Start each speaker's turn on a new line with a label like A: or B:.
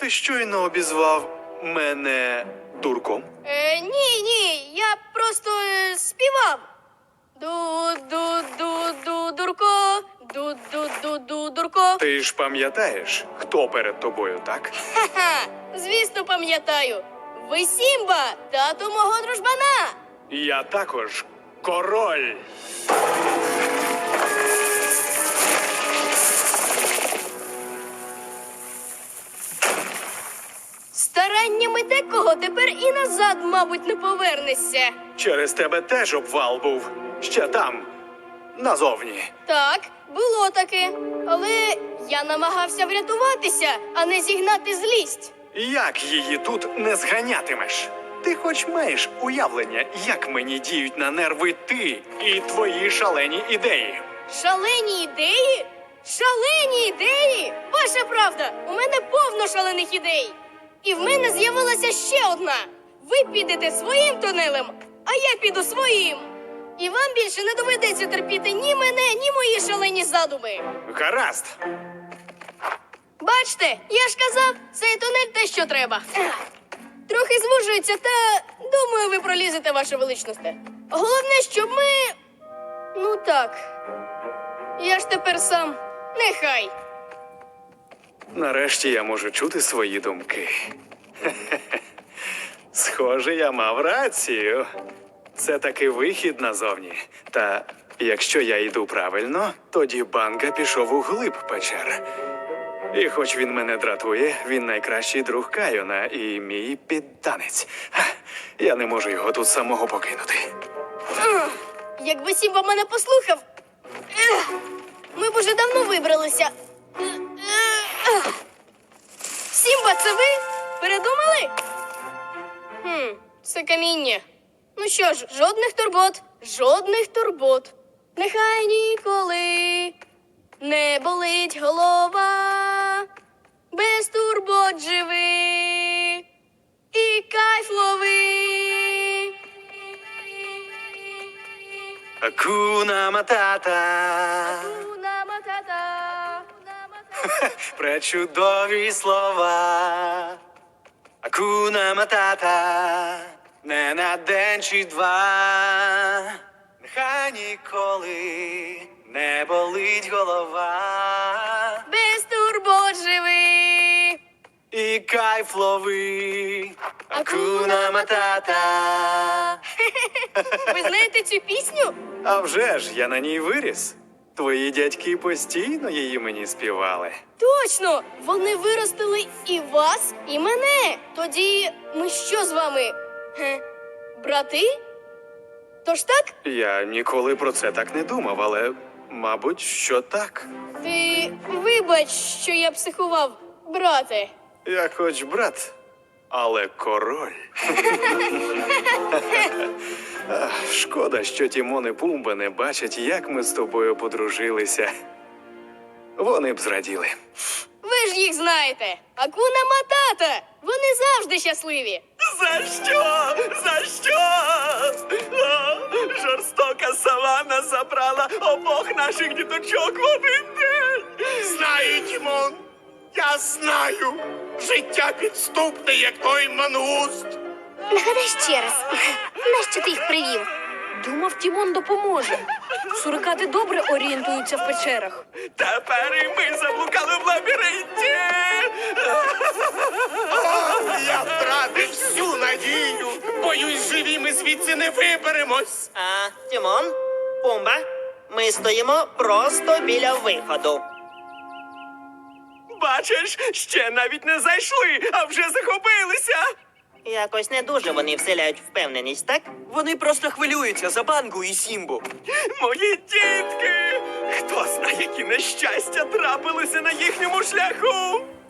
A: Ти щойно обізвав мене дурком?
B: Ні, я просто співав. Ду-ду-ду-ду-дурко, ду-ду-ду-ду-дурко.
A: Ти ж пам'ятаєш, хто перед тобою, так?
B: Ха-ха, звісно, пам'ятаю. Ви Сімба, тату мого дружбана.
A: Я також король.
B: Стараннями декого тепер і назад, мабуть, не повернешся.
A: Через тебе теж обвал був. Ще там, назовні.
B: Так, було таке. Але я намагався врятуватися, а не зігнати злість.
A: Як її тут не зганятимеш? Ти хоч маєш уявлення, як мені діють на нерви ти і твої шалені ідеї?
B: Шалені ідеї? Шалені ідеї? Ваша правда, у мене повно шалених ідей. І в мене з'явилася ще одна. Ви підете своїм тунелем, а я піду своїм. І вам більше не доведеться терпіти ні мене, ні мої шалені задуми.
A: Гаразд.
B: Бачте, я ж казав, цей тунель те, що треба. Трохи звужується, та думаю, ви пролізете, ваше величність. Головне, щоб ми... Ну так. Я ж тепер сам. Нехай.
A: Нарешті я можу чути свої думки. Схоже, я мав рацію. Це таки вихід назовні. Та якщо я йду правильно, тоді Банга пішов у глиб печер. І хоч він мене дратує, він найкращий друг Кайона і мій підданець. Я не можу його тут самого покинути.
B: Якби Сімба мене послухав, ми б уже давно вибралися. Сімба, це ви? Передумали? Це каміння. Ну що ж, жодних турбот, жодних турбот. Нехай ніколи не болить голова, без турбот живи і кайф лови.
A: Акуна матата.
B: Акуна матата.
A: Пречудові слова. Акуна матата. Не на день чи два. Нехай ніколи не болить голова.
B: Без турбот живи.
A: І кайф лови. Акуна матата.
B: Ви знаєте цю пісню?
A: А вже ж, я на ній виріс. Твої дядьки постійно її мені співали.
B: Точно! Вони виростили і вас, і мене. Тоді ми що з вами? Брати? Тож так?
A: Я ніколи про це так не думав, але, мабуть, що так.
B: Ти вибач, що я психував, брате.
A: Я хоч брат, але король. Шкода, що Тімон і Пумба не бачать, як ми з тобою подружилися. Вони б зраділи.
B: Ви ж їх знаєте. Акуна Матата. Вони завжди щасливі.
A: За що? За що? Жорстока савана забрала обох наших діточок в один день.
C: Знаю, Тімон, я знаю. Життя підступне, як той мангуст.
B: Нагадай ще раз, нащо ти їх привів?
D: Думав, Тімон допоможе. Сурикати добре орієнтуються в печерах.
A: Тепер і ми заблукали в лабіринті.
C: Я втратив всю надію. Боюсь, живі ми звідси не виберемось.
E: Тімон, Пумба, ми стоїмо просто біля виходу.
A: Бачиш, ще навіть не зайшли, а вже захопилися.
E: Якось не дуже вони вселяють впевненість, так?
F: Вони просто хвилюються за Бангу і Сімбу.
A: Мої дітки! Хто знає, які нещастя трапилися на їхньому шляху?